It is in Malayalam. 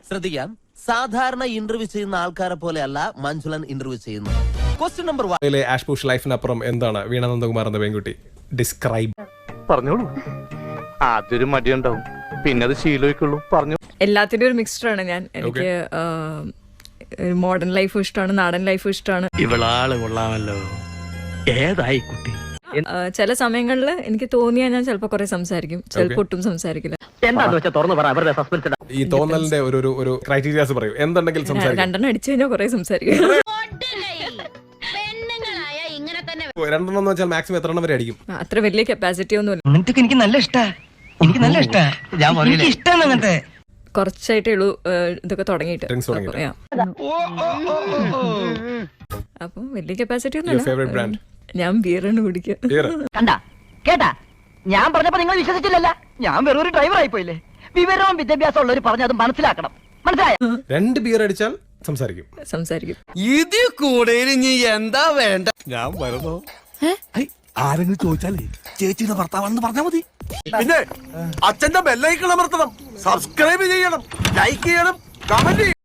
ശ്രദ്ധിക്കാം, സാധാരണ ഇന്റർവ്യൂ ചെയ്യുന്ന ആൾക്കാരെ പോലെയല്ല മഞ്ജുളൻ ഇന്റർവ്യൂ ചെയ്യുന്നത്. Question number 1. ആഷ് പുഷ് ലൈഫിനപ്പുറം എന്താണ് വീണ നന്ദകുമാർ എന്ന പെൺകുട്ടി? ഡിസ്ക്രൈബ്. പറഞ്ഞോളൂ. ആദ്യൊരു മടിയുണ്ടാവും, പിന്നെ അത് ശീലമായിക്കുള്ളൂ. പറഞ്ഞു. എല്ലാത്തിൻ്റെ ഒരു മിക്സ്ചറാണ് ഞാൻ. എനിക്ക് മോഡേൺ ലൈഫും ഇഷ്ടമാണ്, നാടൻ ലൈഫും ഇഷ്ടമാണ്. ഇവളാള് കൊള്ളാമല്ലോ. ഏതായി കുട്ടി? ചില സമയങ്ങളിൽ എനിക്ക് തോന്നിയാൽ ഞാൻ ചിലപ്പോൾ കുറെ സംസാരിക്കും, ചിലപ്പോൾ ഒട്ടും സംസാരിക്കില്ല. എന്താന്ന് വെച്ചാൽ തുറന്നു പറ, അവരുടെ സസ്പെൻസ്. ഈ തോന്നലിന്റെ ഒരു ക്രൈറ്റീരിയാസ് പറയൂ. എന്തുണ്ടെങ്കിൽ സംസാരിക്കും. രണ്ടെണ്ണം അടിച്ചു കഴിഞ്ഞാൽ കുറെ സംസാരിക്കും. രണ്ടെണ്ണം എന്ന് വെച്ചാൽ മാക്സിമം എത്ര എണ്ണം വരെ അടിക്കും? അത്ര വലിയ കപ്പാസിറ്റി ഒന്നുമില്ല. അങ്ങനത്തെ എനിക്ക് നല്ല ഇഷ്ടാ, എനിക്ക് നല്ല ഇഷ്ടാ. ഞാൻ ഇഷ്ടമാണ് അങ്ങനത്തെ. കുറച്ചായിട്ടേ ഉള്ളൂ ഇതൊക്കെ തുടങ്ങിയിട്ട്. അപ്പം വലിയ കപ്പാസിറ്റി ഒന്നുമില്ല. ഞാൻ ബിയറാണ് കുടിക്കുക. കണ്ടാ കേട്ടാ, ഞാൻ പറഞ്ഞപ്പോ നിങ്ങൾ വിശ്വസിച്ചില്ലല്ല. ഞാൻ വെറും ഒരു ഡ്രൈവർ ആയി പോയില്ലേ. വിവരവും വിദ്യാഭ്യാസം ഉള്ളവർ പറഞ്ഞ് അത് മനസ്സിലാക്കണം. മനസ്സിലായോ? 2 ബിയർ അടിച്ചാൽ സംസാരിക്കും. ഇതിൽ കൂടുതൽ ഇനി എന്താ വേണ്ട? ഞാൻ വരുന്നു. ആരെങ്കിലും ചോദിച്ചാലേ ചേച്ചിയുടെ ഭർത്താവാണെന്ന് പറഞ്ഞാൽ മതി. പിന്നെ അച്ഛന്റെ ബെല്ലൈക്കൺ അമർത്തണം, സബ്സ്ക്രൈബ് ചെയ്യണം, ലൈക്ക് ചെയ്യണം, കമന്റ് ചെയ്യണം.